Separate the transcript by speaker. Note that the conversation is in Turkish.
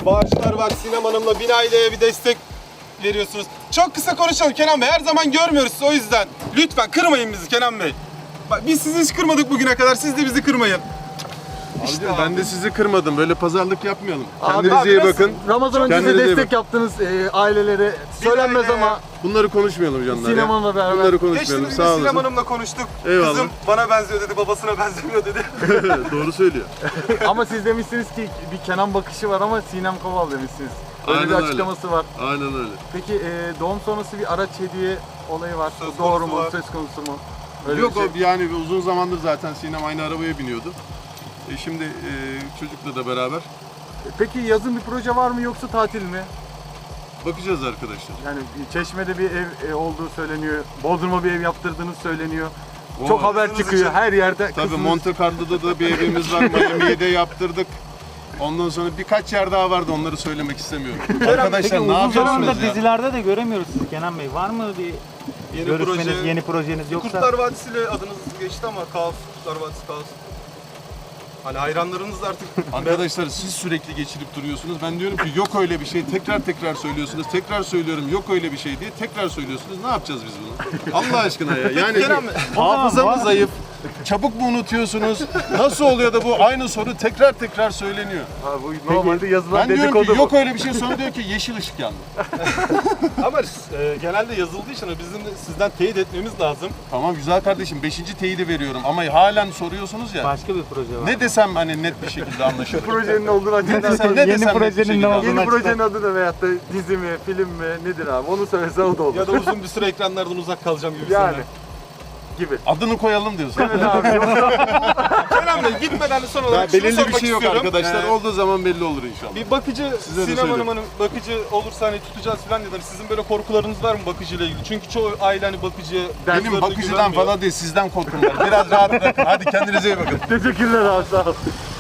Speaker 1: bağışlar var. Sinem Hanım'la Bin Aile'ye bir destek veriyorsunuz. Çok kısa konuşalım Kenan Bey. Her zaman görmüyoruz o yüzden. Lütfen kırmayın bizi Kenan Bey. Bak biz sizi hiç kırmadık bugüne kadar. Siz de bizi kırmayın.
Speaker 2: İşte ben de sizi kırmadım. Böyle pazarlık yapmayalım.
Speaker 3: Abi,
Speaker 2: Kendinize iyi bakın.
Speaker 3: Ramazan öncesi
Speaker 2: Kendinize iyi
Speaker 3: destek
Speaker 2: bakın.
Speaker 3: yaptınız ailelere. Söylenmez
Speaker 1: aile.
Speaker 3: ama
Speaker 2: Bunları konuşmayalım canlar.
Speaker 3: Sinem
Speaker 2: ya.
Speaker 3: Hanım'la beraber.
Speaker 2: Bunları konuşmayalım.
Speaker 1: Geçtiğimiz
Speaker 2: Sağ
Speaker 1: gün Sinem
Speaker 2: olasın.
Speaker 1: Hanım'la konuştuk.
Speaker 2: Eyvallah.
Speaker 1: Kızım bana benziyor dedi, babasına benzemiyor dedi.
Speaker 2: Doğru söylüyor.
Speaker 3: Ama siz demişsiniz ki bir Kenan bakışı var ama Sinem Koval demişsiniz. Öyle
Speaker 2: Aynen
Speaker 3: bir
Speaker 2: öyle.
Speaker 3: açıklaması var.
Speaker 2: Aynen öyle.
Speaker 3: Peki doğum sonrası bir araç hediye olayı var.
Speaker 1: Söz
Speaker 3: Doğru
Speaker 1: konusu
Speaker 3: mu?
Speaker 1: var.
Speaker 3: Söz konusu mu? Öyle
Speaker 2: Yok
Speaker 3: bir şey.
Speaker 2: o yani uzun zamandır zaten Sinem aynı arabaya biniyordu. Şimdi çocukla da beraber
Speaker 3: Peki yazın bir proje var mı yoksa tatil mi?
Speaker 2: bakacağız arkadaşlar.
Speaker 3: Yani Çeşme'de bir ev olduğu söyleniyor. Bodrum'a bir ev yaptırdığınız söyleniyor.
Speaker 2: O
Speaker 3: Çok haber
Speaker 1: kızınız
Speaker 3: çıkıyor
Speaker 1: için-
Speaker 3: her yerde.
Speaker 2: Tabii
Speaker 3: kızınız-
Speaker 2: Monte Carlo'da da bir evimiz var. Miami'ye de yaptırdık. Ondan sonra birkaç yer daha vardı, onları söylemek istemiyorum. Arkadaşlar
Speaker 4: Peki
Speaker 2: ne
Speaker 4: uzun
Speaker 2: yapıyorsunuz
Speaker 4: zamandır
Speaker 2: ya?
Speaker 4: dizilerde de göremiyoruz sizi Kenan Bey. Var mı bir
Speaker 1: Yeni
Speaker 4: görüşmeniz,
Speaker 1: proje.
Speaker 4: yeni projeniz yoksa?
Speaker 1: Kurtlar Vadisi ile adınız geçti ama kaos, Kurtlar Vadisi kaos. Hani hayranlarınız da artık
Speaker 2: Arkadaşlar siz sürekli geçirip duruyorsunuz. Ben diyorum ki yok öyle bir şey. Tekrar söylüyorsunuz. Tekrar söylüyorum yok öyle bir şey diye. Tekrar söylüyorsunuz. Ne yapacağız biz bunu? Allah aşkına ya. Yani
Speaker 1: Kenan Bey,
Speaker 2: hafıza mı zayıf? Çabuk mu unutuyorsunuz? Nasıl oluyor da bu aynı soru tekrar söyleniyor?
Speaker 3: Ha, bu normalde yazılan
Speaker 2: Ben diyorum
Speaker 3: dedikodu
Speaker 2: ki yok
Speaker 3: bu.
Speaker 2: öyle bir şey, sonra diyor ki yeşil ışık yandı.
Speaker 1: ama genelde yazıldığı için bizim de sizden teyit etmemiz lazım.
Speaker 2: Tamam güzel kardeşim 5. teyidi veriyorum ama halen soruyorsunuz ya.
Speaker 4: Başka bir proje var.
Speaker 2: Ne desem hani net bir şekilde anlaşılır.
Speaker 3: Projenin ne olduğunu açıklar.
Speaker 2: desem- ne
Speaker 4: Yeni
Speaker 2: desem net bir
Speaker 4: projenin
Speaker 2: şekilde
Speaker 4: ne
Speaker 2: anlaşılır.
Speaker 4: olduğunu
Speaker 3: Yeni projenin
Speaker 4: açıklar.
Speaker 3: adı ne veyahut da dizi mi, film mi, nedir abi? Onu söylesen o da olur.
Speaker 1: Ya da uzun bir süre ekranlardan uzak kalacağım gibi.
Speaker 3: yani gibi.
Speaker 2: Adını koyalım diyorsun.
Speaker 3: Evet abi.
Speaker 1: Kenan Bey gitmeden son
Speaker 2: Daha
Speaker 1: olarak şunu
Speaker 2: belirli bir
Speaker 1: sormak
Speaker 2: şey yok
Speaker 1: istiyorum.
Speaker 2: arkadaşlar. Olduğu zaman belli olur inşallah.
Speaker 1: Bir bakıcı,
Speaker 2: Size de
Speaker 1: Sinem
Speaker 2: söylüyorum.
Speaker 1: Hanım'ın bakıcı olursa hani tutacağız falan dediler. Sizin böyle korkularınız var mı bakıcıyla ilgili? Çünkü çoğu aile hani bakıcıya
Speaker 2: Benim
Speaker 1: çocuklarına
Speaker 2: bakıcıdan
Speaker 1: güvenmiyor.
Speaker 2: falan değil, sizden korkum var. Biraz rahat bırakın. Hadi kendinize iyi bakın.
Speaker 3: Teşekkürler abi sağ ol.